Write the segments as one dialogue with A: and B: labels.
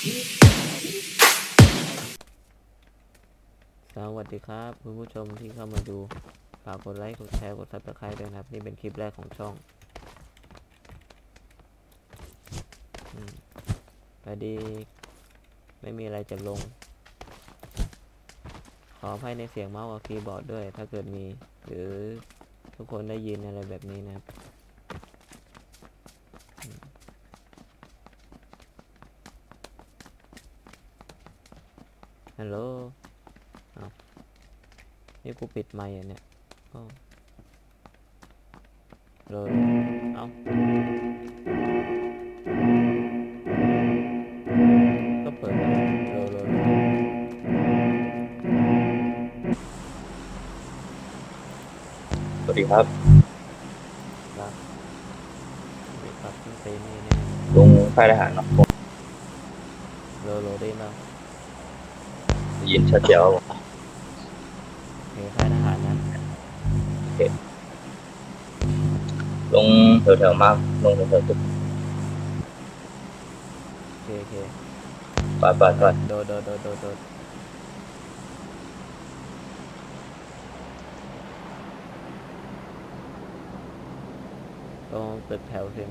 A: สวัสดีครับคุณผู้ชมที่เข้ามาดูฝากกดไลค์กดแชร์กด Subscribe ด้วยนะครับนี่เป็นคลิปแรกของช่องพอดีไม่มีอะไรจะลงขออภัยในเสียงเมาส์กับคีย์บอร์ดด้วยถ้าเกิดมีหรือทุกคนได้ยินอะไรแบบนี้นะครับฮัลโหลนี่กูปิดไมค์อ่ะเนี่ยเลยเอาก็เปิดเลย
B: สวัสดีครับ
A: ครับสวัสดีครับคุณเซนี่เนี่ย
B: ลุงค่ายทหารเนาะผม
A: โลได้แล้ว
B: ได้ยินชัดเจนครับผม
A: เฮ้ค่ายทหารนะ
B: โอเคลงแถวๆมากลงแถวๆตึก
A: โอเค
B: ปาด
A: โดดตรงตึกแถวใช่ไหม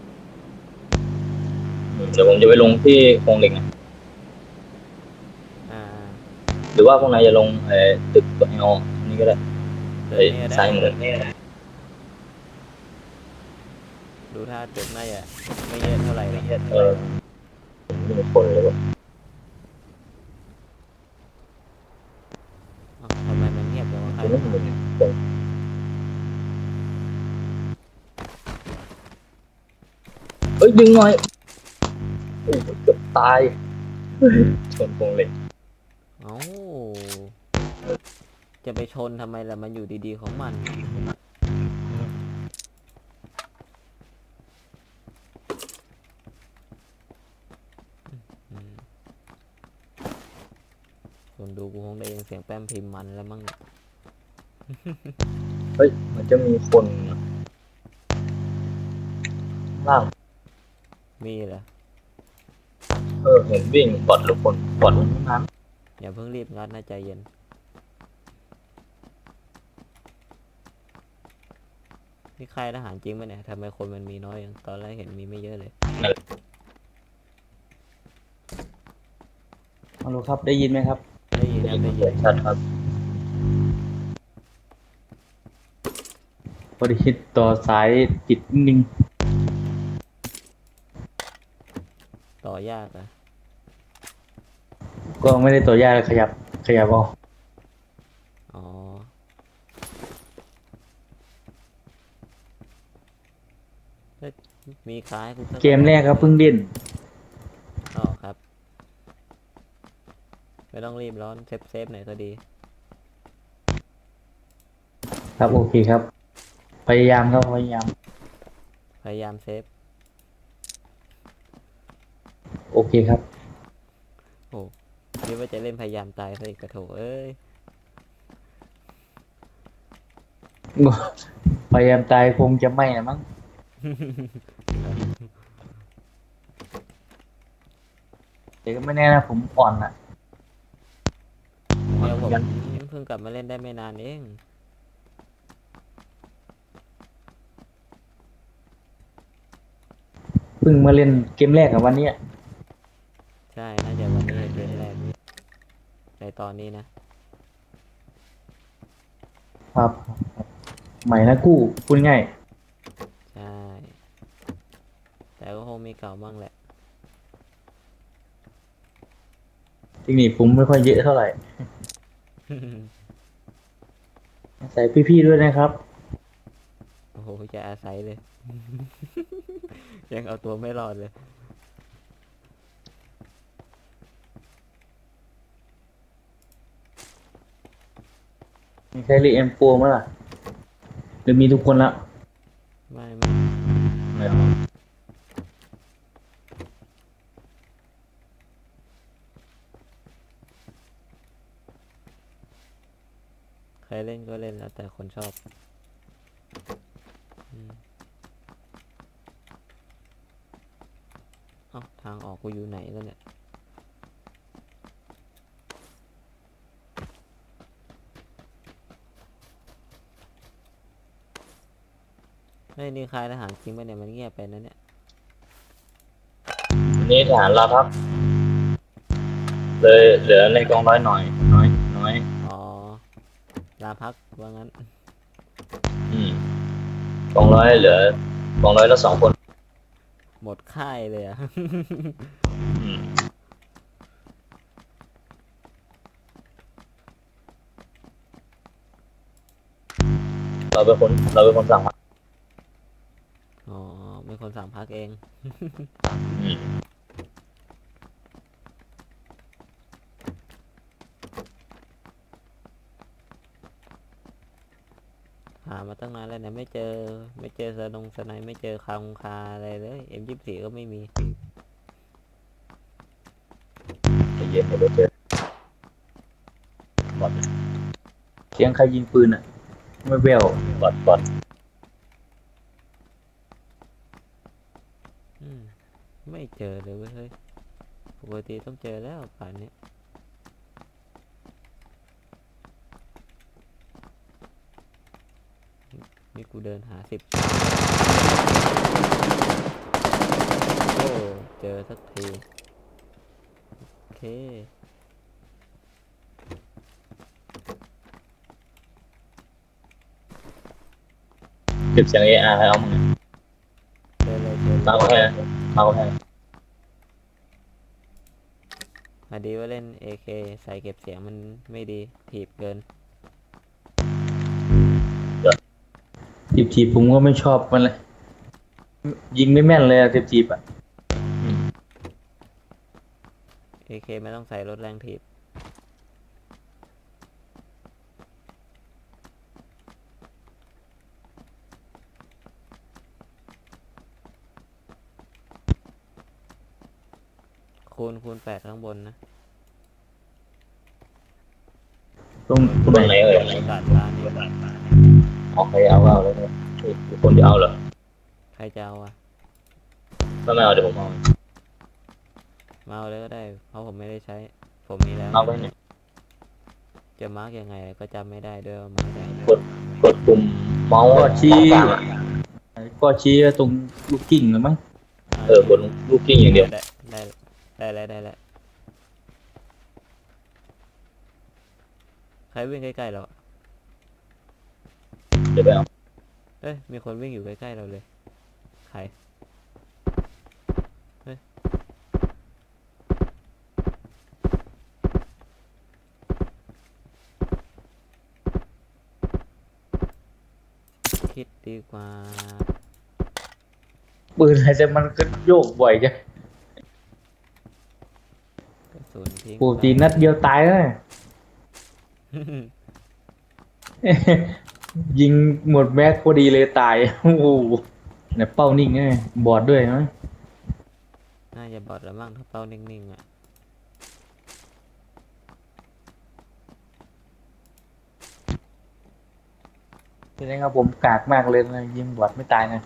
B: เดี๋ยวผมจะไปลงที่โครงเหล็กนะ
A: อ่า
B: หรือว่าพวกนายจะลงตึกตัวไออนี่ก็ได้
A: ตึกนี้ได้
B: ซ้ายมือ
A: ดูท่าตึกน่าจะไม่เยอะเท่าไหร่หรอก
B: ไม่มีคนเลยว่ะ
A: ทำไมมันเงียบจังวะค่ายท
B: ไม่มี
A: หารเนี่ย
B: คนเอ้ยดึงหน่อยโอ้เกือบตายชนโครงเหล็ก
A: เอ้าจะไปชนทำไมล่ะมันอยู่ดีๆของมันคนดูกูคงได้ยินเสียงแป้มพิมพ์มันแล้วมั้ง
B: เฮ้ยมันจะมีคนล่าง
A: มีเหรอ
B: เห็นวิ่งบอดทุกคนบอดทั้งนั้น
A: อย่าเพิ่งรีบงัดนะใจเย็นนี่ค่ายทหารจริงไหมเนี่ยทำไมคนมันมีน้อยอย่างตอนแรกเห็นมีไม่เยอะเลย
C: ฮัลโหลครับได้ยินไหมครับ
A: ได้ยินครับได้ยิน
B: ชัดครับ
C: พอดีต่อสายติดนิ่ง
A: ต่อยากอ่ะ
C: ก็ไม่ได้ต่อยากเลยขยับเอา
A: อ๋อมีคล้ายกูสัก
C: เกมแรกครับเพิ่งเล่น
A: อ๋อครับไม่ต้องรีบร้อนเซฟหน่อยก็ดี
C: ครับโอเคครับพยายามครับพยายาม
A: พยายามเซฟ
C: โอเคครับ
A: โอ้คิดว่าจะเล่นพยายามตายซะอีกกระโถเอ้ย
C: พยายามตายคงจะไม่นะมั้งแต่ก็ไม่แน่นะผมอ่อนอ่ะอ่อน
A: เนี่ยผม
C: เหมือนกัน
A: เพิ่งกลับมาเล่นได้ไม่นานเอง
C: เพิ่งมาเล่นเกมแรกกับวันนี้
A: ใช่น่าจะวันนี้เกมแรกในตอนนี้นะครับ
C: ใหม่นะกู้พูดง่าย
A: ใช่แต่ก็คงมีเก่าบ้างแหละ
C: เทคนิคผมไม่ค่อยเยอะเท่าไหร่ใส่พี่ๆด้วยนะครับ
A: โอ้โหจะอาศัยเลย ยังเอาตัวไม่รอดเลย
C: มีใครเรียนเอ็มโฟมั้ยล่ะหรือมีทุกคนละ
A: ไม่
C: ไม่
A: ใครเล่นก็เล่นแล้วแต่คนชอบเอ้าทางออกกูอยู่ไหนแล้วเนี่ยฮ้ยนี่ค่ายทหารจริงปะเนี่ยมันเงียบไปนะเนี่ย
B: นี่ทหารลาพักเลยเหลือในกองร้อยหน่อยน้อย
A: อ๋อลาพักว่างั้น
B: อืมกองร้อยเหลือกองร้อยละ2 คน
A: หมดค่ายเลยอะ
B: อืมเราเป็นคนสั่งพัก
A: อ๋อเป็นคนสั่งพักเอง
B: อืม
A: หามาตั้งนานแล้วเนี่ยไม่เจอสไนไม่เจอคาอะไรเลย M24 ก็ไม่มี
B: ใจเย็นเดี๋ยวเจอหมด
C: เสียงใครยิงปืนอ่ะ ไม่เบล
B: บอด
A: อืมไม่เจอเลยเว้ยเฮ้ยปกติต้องเจอแล้วป่านนี้นี่กูเดินหา10โอ้เจอสักทีโอเค
B: เก็บเสียง AR ให้เอามึง
A: เจอเลยเจอ
B: มา
A: เลย
B: ก็แค่มาก็แค่
A: พอดีว่าเล่น AK ใส่เก็บเสียงมันไม่ดีถีบเกิน
C: จีบผมก็ไม่ชอบมันเลย ยิงไม่แม่นเลยอะจีบอ่ะ
A: AK ไม่ต้องใส่รถแรงถีบคูณ8ข้างบนนะ
C: ตรง
B: ตรงไหนเอ่ย
A: ดาดฟ้านี่
B: ออกใครเอาเลยเนี่ยมีคนจะเอาเหรอ
A: ใครจะเอาอะ
B: ไม่เอาเดี๋ยวผมเอา
A: มาเอาเลยก็ได้ เพราะผมไม่ได้ใช้ ผมมีแล้ว
B: เอาไปเนี่ย
A: จะมาร์กยังไงก็จำไม่ได้ด้วยว่ามาร์กยังไง
B: กดปุ่มเมาส์
C: ก็ชี้
B: กลางอะ
C: ก็ชี้ตรงลูกกิ่งเลยมั้ง
B: กดลูกกิ้งอย่างเดียว
A: ได้แล้วใครวิ่งใกล้ๆเราอะ
B: เดี๋ยวไปเอา
A: เอ้ยมีคนวิ่งอยู่ใกล้ๆเราเลยใครเฮ้ยคิดดีกว่า
C: ปืนอะไรจะมันก็โยกบ่อยจัง
A: กระสุนทิ้ง
C: ปกตินัดเดียวตายแล้วเนี่ย ยิงหมดแม็กพอดีเลยตาย โอ้โหเนี่ยเป้านิ่งไงบอดด้วยมั้ย
A: น่าจะบอดแล้วมั้งถ้าเป้านิ่งๆอ่ะ
C: แสดงว่าผมกากมากเลยนะยิงบอดไม่ตายนะ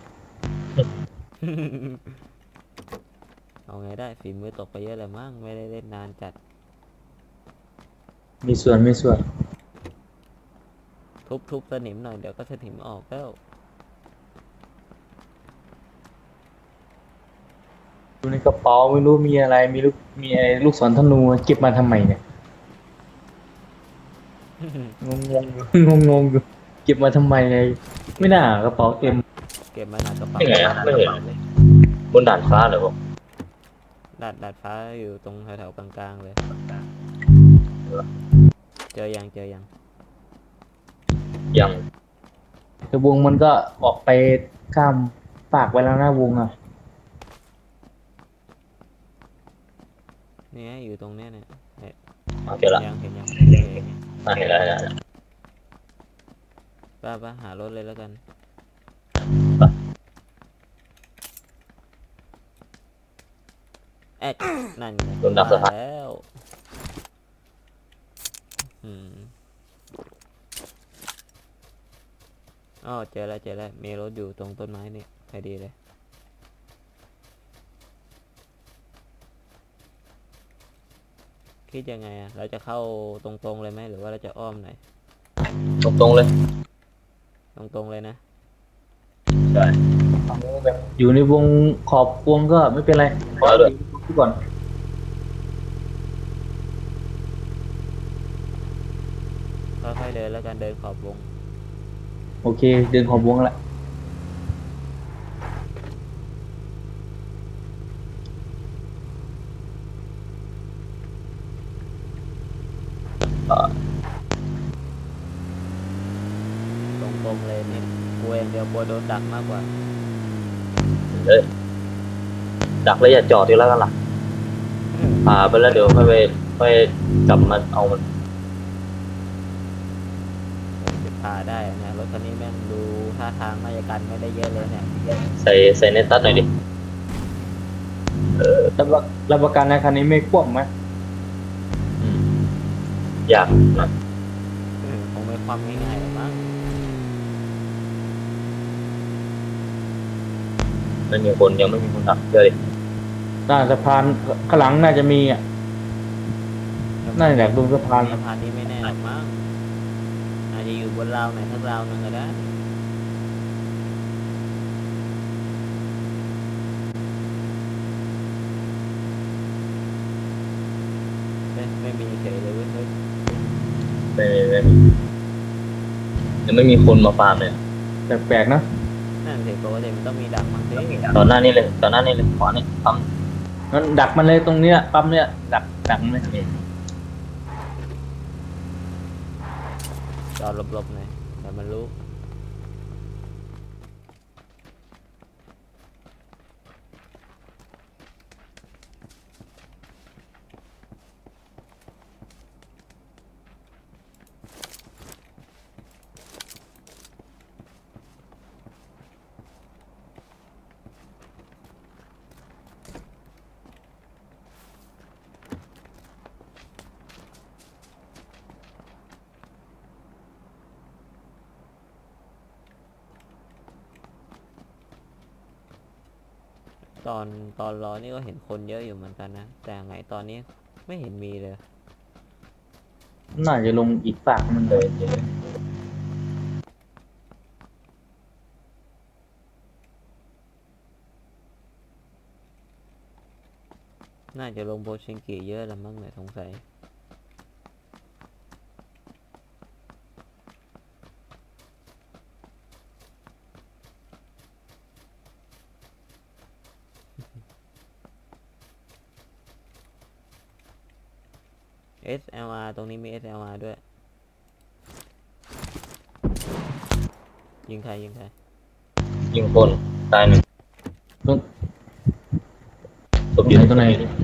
A: เอาไงได้ฝีมือตกไปเยอะเลยมั้งไม่ได้เล่นนานจัด
C: มีส่วน
A: ทุบสนิมหน่อยเดี๋ยวก็สนิมออกแล้ว
C: ดูในกระเป๋าไม่รู้มีอะไรมีอะไรลูกศรธนูเก็บมาทำไมเนี่ย งงอยู่เก็บมาทำไมเลยไม่น่ากระเป๋าเต็ม
A: เก็บมาหนักกระเป๋า
B: ไม่ไงอะไม่เห็นบนด่านฟ้าเหรอผม
A: ดาดฟ้าอยู่ตรงแถวๆกลางๆเลย เจอยัง
B: ยัง
C: แต่วงมันก็ออกไปข้ามปากไว้แล้วนะวงอ่ะ
A: นี่ไงอยู่ตรงเนี้ยเนี่ย
B: โอเคละ
A: เห็นยัง
B: เห็นแล้ว
A: ป้าหารถเลยแล้วกัน แอดนั่นไง
B: โดนดักสะพาน
A: แล้วอ๋อเจอแล้วมีรถอยู่ตรงต้นไม้นี่พอดีเลย คิดยังไงอะเราจะเข้าตรงๆเลยไหมหรือว่าเราจะอ้อมหน่อย
B: ตรงๆเลย
A: ตรงๆเลยนะ
B: ใช่ได้
C: เอาแบบอยู่ในวงขอบวงก็ไม่เป็นไร
B: เอาด้วย
C: ดูก่อน
A: ค่อยๆเดินแล้วกันเดินขอบวง
C: โอเค เดินขอบวงละ
A: ตรงๆเลยนี่กลัวอย่างเดียวกลัวโดนดักมากกว่า
B: เอ้ยดักแล้วอย่าจอดทีแล้วกันล่ะพาไปแล้วเดี๋ยวค่อยกลับมาเอามัน
A: จะพาได้นะรถคันนี้แม่งดูท่าทางน่าจะกันไม่ได้เยอะเลยเนี่ย
B: ใส่เนตัสหน่อยดิ
C: รับประกันนะคันนี้ไม่คว่ำไหม
B: อืมอยากนะ
A: คงไม่ความง่ายๆหรอกมั้ง
B: ไม่มีคนยังไม่มีคนดักเจอดิ
C: น่าสะพานข้างหลังน่าจะมีอ่ะ น่าจะแหลกดูสะพาน
A: สะพานนี้ไม่แน่หรอกมั้งอาจจะอยู่บนราวไหนทั้งราวนึงก็ได้ไม่มีเฉยเลยเว้ยเฮ้ย
B: ไม่มียังไม่มีคนมาฟาร์มเลย
C: แปลกๆนะ
A: นั่นสิปกติมันต้องมีดักมั้งสิ
B: ตอนหน้านี้เลยขวานี่ปั๊ม
C: งั้นดักมันเลยตรงเนี้ยปั๊มเนี้ยดักมันเลย
A: จอดหลบๆหน่อยแต่มันรู้ ตอนรอนี่ก็เห็นคนเยอะอยู่เหมือนกันนะ แต่ไงตอนนี้ไม่เห็นมีเลย
C: น่าจะลงอีกฝากมันเลย
A: น่าจะลงโบชิงกิเยอะแล้วมั้งเนี่ยสงสัย SLR ตรงนี้มี SLR ด้วย ยิงใคร
B: ยิงคนตายหนึ่ง
C: ตรง
B: ศพอยู่
C: ตรงไหน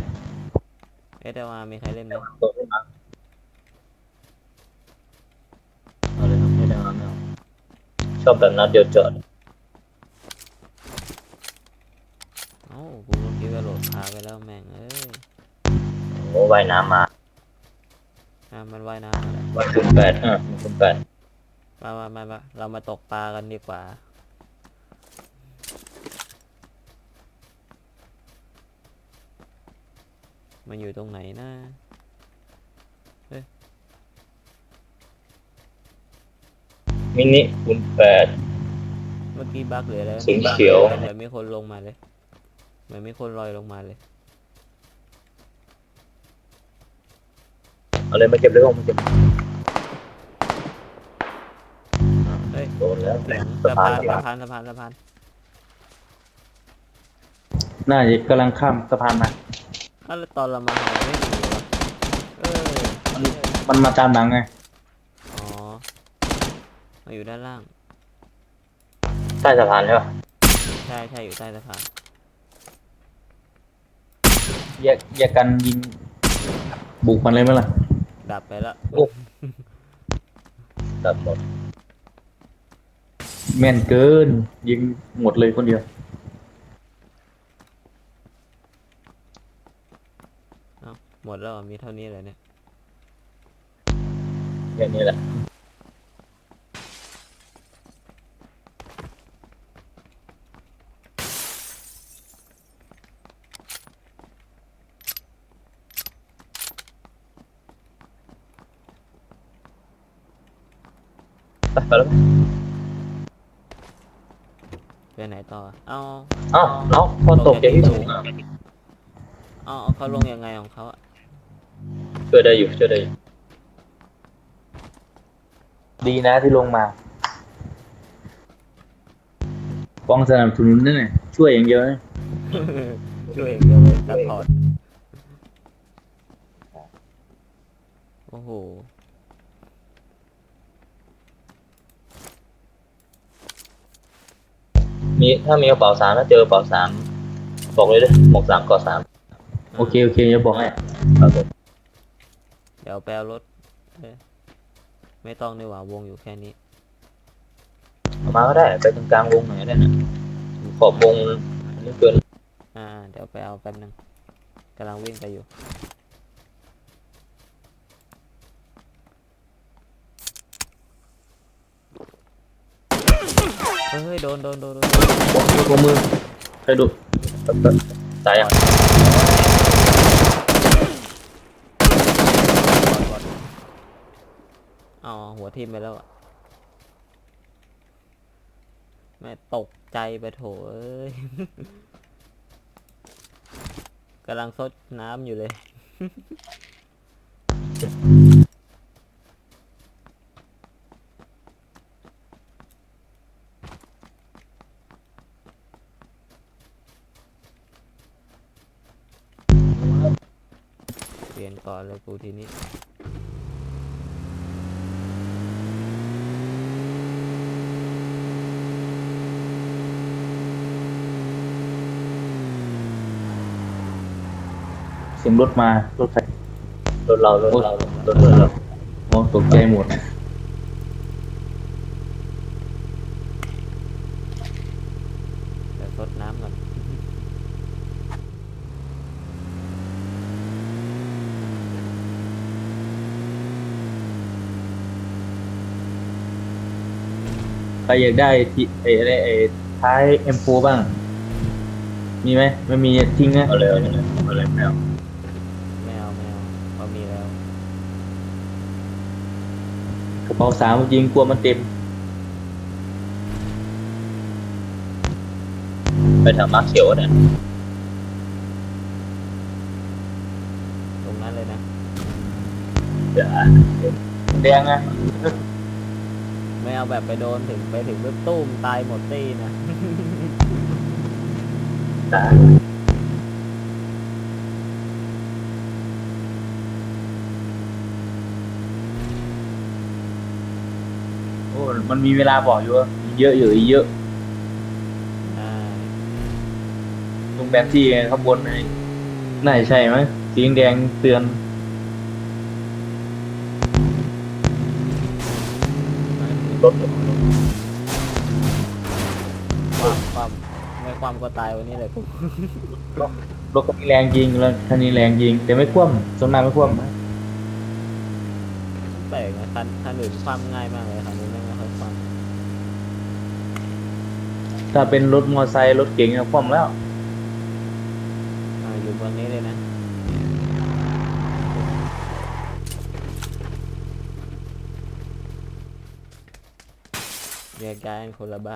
A: SLR มีใครเล่นไหม
B: ตัวขึ้นมาเอาเลยครับไม่ได้ไม่เอาชอบแบบนัดเดียวจอด
A: เอ้ากูก็คิดว่าโหลดพาไปแล้วแม่งเอ้ย
B: โอ้ว่ายน้ำมา
A: มันว่ายน้ำมาแล้ว
B: ว่ายคุณแปดคุณแปด
A: มาเรามาตกปลากันดีกว่า มันอยู่ตรงไหนนะ
B: มินิคุณแปด
A: เมื่อกี้บั๊กหรืออะไร
B: สีเขียว
A: เหมือนมีคนลงมาเลยเหมือนมีคนลอยลงมาเลย
B: เอาเลยมาเก็บเลยผมมาเก็บ
A: เฮ้ย
B: โดนแล้ว
A: เสียง
B: สะ
A: สะ
B: พา
A: พาน นสะพาน
C: น่าจะกำลังข้ามสะพานมา
A: แล้วตอนเรามาหาไม่มีวะเออ
C: มันมาตามหลังไง
A: อ๋อมาอยู่ด้านล่าง
B: ใต้สะพานใช่ป่ะ
A: ใช่อยู่ใต้สะพาน
C: แยกกันยิง บุกมันเลยไหมล่ะ
A: ดับไปแล้ว
B: ตัดหมด
C: แม่นเกิน ยิงหมดเลยคนเดียว
A: หมดแล้วเหรอมีเท่านี้เลยเนี่ย
B: แค่นี้แหละไปแล้ว
A: ไปไหนต่อเอา
B: เอ้าน้องพอตกจากที่สูงอ่ะ
A: เอาเขาลงยังไงของเขาอะ
B: ช่วยได้อยู่ช่วยได้อยู่
C: ดีนะที่ลงมาป้องสนับสนุนนั่นแหละช่วยอย่างเดียวนะ
A: ช่วยเองเดียวเลยซัพพอร์ตโอ้โห
B: มีถ้ามีกระเป๋า3ถ้าเจอกระเป๋า3บอกเลยด้วยหมวก3เกาะ3
C: โอเคโอเคจะบอกให้
B: ครับผม
A: เดี๋ยวแปลรถไม่ต้องดีกว่าวงอยู่แค่นี้
B: เอามาก็ได้ไปตรงกลางวงหน่อยก็ได้นะขอบวงอันนี้เกิน
A: เดี๋ยวไปเอาแป๊บนึงกำลังวิ่งไปอยู่เฮ้ยโดน
C: ตัวมือใครดู
B: ตายยัง
A: อ๋อหัวทิ่มไปแล้วอะแม่ตกใจไปโถเอ้ย กำลังซดน้ำอยู่เลย เปลี่ยนก่อนเลยกูทีนี้
C: เสียงรถมารถไฟ
B: รถเรา
C: โอ้ตกใจหมด
A: เดี๋ยวซดน้ำก่อน
C: ใครอยากได้ที่ไอ้ท้าย M4 บ้าง มีไหมไม่มีทิ้งนะ
B: เอาเลยแมว
A: ไม่เอาเขามีแล้ว
C: กระเป๋า3จริงกลัวมันเต็ม
B: ไปทางมาร์คเขียวเนี่ย
A: ตรงนั้นเลยนะ
B: เดี๋ยว
C: แดงอะ
A: ไม่เอาแบบไปโดนถึงไปถึงปุ๊บตุ้มตายหมดตี้นะ
B: ตาย
C: โอ้มันมีเวลาบอกอยู่ว่าเยอะอยู่อีกเยอะ
A: อ่า
C: ตรงแบนที่ข้างบนไอ้น่าจะใช่ไหมสีแดงเตือน
B: รถ
A: ความไม่ความก็ตายวันนี้เลยกู
C: รถคันนี้แรงจริงแล้วคันนี้แรงจริง แต่ไม่คว่ำสมนาไม่คว่ำนะ
A: แปลกนะคันอื่นความง่ายมากเลยคันนี้ไม่ค่อยความ
C: ถ้าเป็นรถมอเตอร์ไซค์รถเก๋งอะคว่ำแล้ว
A: อยู่บนนี้เลยนะแยกย้ายกันคนละบ้าน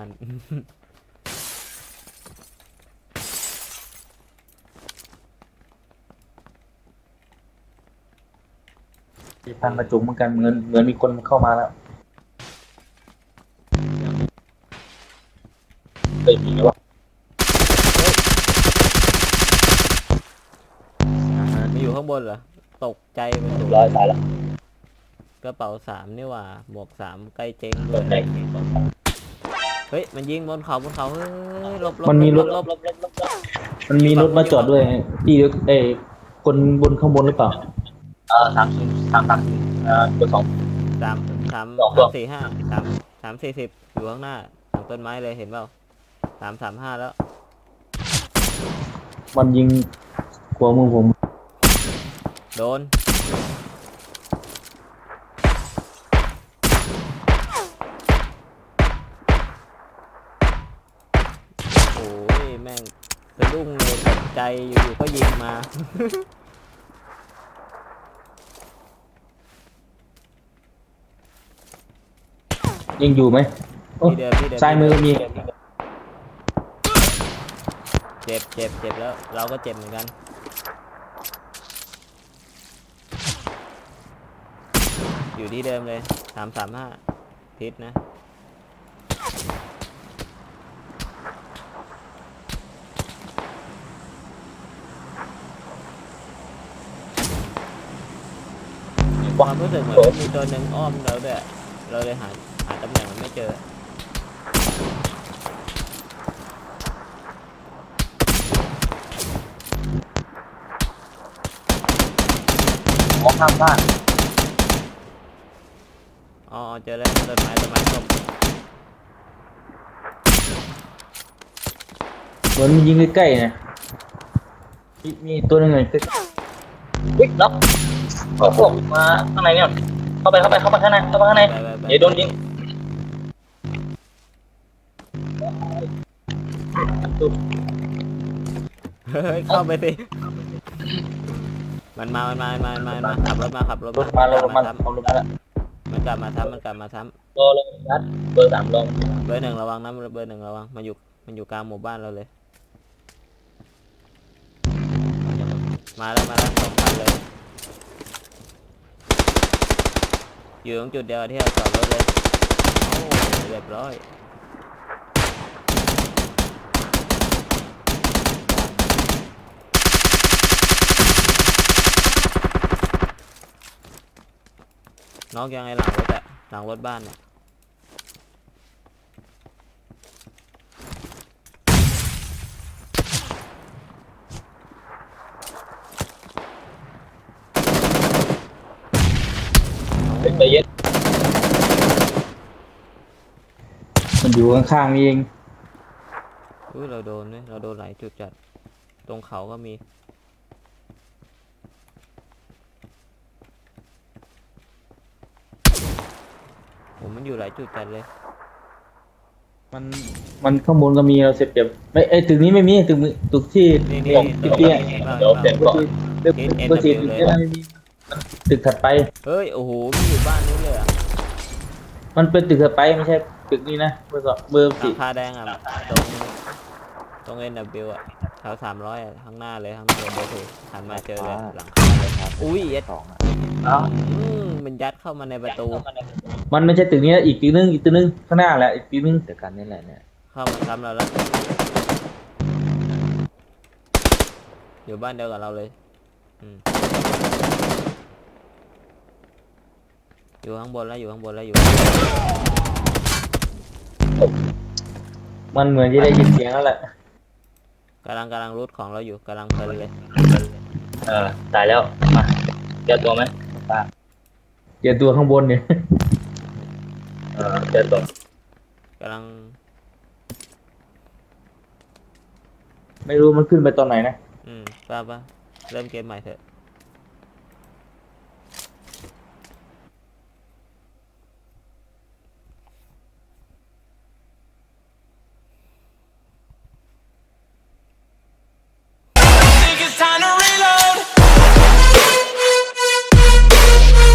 C: ทางกระจุกเหมือนกันเหมือนมีคนเข้ามาแล้ว
B: เคยมีไหมวะ
A: มีอยู่ข้างบนเหรอตกใจไปหมด
B: ร้อยตายแล้ว
A: กระเป๋า3นี่หว่าหมวก3ใกล้เจ๊งเล
B: เปิด
A: ย
B: แดง
A: เฮ้ยมันยิงบนเขาเฮ้ยหลบ
C: มันมีรถ
A: หลบ
C: มันมีรถมาจอดด้วยที่เอ้ยคนบนข้างบนหรือเปล่า
B: ทางเบอร์ 2
A: สาม
B: สองตัว
A: 4 5 3 40อยู่ข้างหน้าหลังต้นไม้เลยเห็นเปล่า3 3 5แล้ว
C: มันยิงขวามือผม
A: โดนโอ้ยแม่งสะดุ้งเลยตกใจอยู่ๆก็ยิงมา
C: ยังอยู่ไหมโอ้
A: ที่เดิม
C: ซ้ายมือมี
A: เจ็บเจ็บเจ็บแล้วเราก็เจ็บเหมือนกันอยู่ที่เดิมเลย335ทิศนะความรู้สึกเหมือนมีตัวหนึ่งอ้อมเราด้วยเราเลยหาตำแหน่งมันไม่เจอ
C: มองข้ามบ้าน
A: อ๋อเจอแล้วต้นไม้ส้ม
C: เหมือนมียิงใกล้ๆนะมีตัวหนึงเลยใกล้
B: วิ่งล็อกโอ้โหมาข้างในเนี่ยเข้าไปข้างในเข้าไปข้างใน
A: ไป
B: อย่าโดนยิง
A: เฮ้ยเข้าไปสิมันมาขับรถมา
C: รถมาแล้วรถมา
A: ซ้
C: เอารถมาแล้ว
A: ำมันกลับมาซ้ำ
B: รอลงนัดเบอร์ 3ลง
A: เบอร์หนึ่งระวังนะเบอร์หนึ่งระวังมันอยู่กลางหมู่บ้านเราเลย มาแล้วสองคันเลย อยู่ตรงจุดเดียวที่เราจอดรถเลยโอ้เรียบร้อยน้องยังไงหลังรถอะหลังรถบ้านเนี่ย
B: ใจเย็น
C: มันอยู่ข้างๆนี่เอง
A: อุ้ยเราโดนหลายจุดจัดตรงเขาก็มีผมมันอยู่หลายจุดจัดเลย
C: มันข้างบนก็มีเราเสียบเปรียบไม่ไอ้ตึกนี้ไม่มีตึกที่
A: นี่
C: ตึกเตี้ย
B: เดี๋ยวเปลี่ยนก่อน
C: ตึกเบอร์สี่ตึกเตี้ยไม่มีตึกถัดไป
A: เฮ้ยโอ้โหมันอยู่บ้านนู้นเลยอะ
C: มันเป็นตึกถัดไปไม่ใช่ตึกนี้นะเบอร์
A: หลั
C: สี่
A: งคาแดงอ่ะตรง NW อ่ะแถว300อ่ะข้างหน้าเลยเบอร์ถูกหันมาเจอเลยหลังคาเลยอุ้ยยัด
B: เอ้า
A: มันยัดเข้ามาในประตู
C: มันไม่ใช่ตึกนี้นะอีกตึกนึงข้างหน้าแหละอีกตึกนึง
D: เดียวกันนี่แหละเนี่ย
A: เข้ามาซ้ำเราแล้วอยู่บ้านเดียวกับเราเลยอยู่ข้างบนแล้วอยู่
C: มันเหมือนจะได้ยินเสียงแล้วแหละ
A: กำลังรูทของเราอยู่กำลังเพลินเลย
B: ตายแล้วมาเจอตัวไหม
C: เจอตัวข้างบนเนี่ย
B: เจอตัว
A: กำลัง
C: ไม่รู้มันขึ้นไปตอนไหนนะ
A: ป่ะเริ่มเกมใหม่เถอะ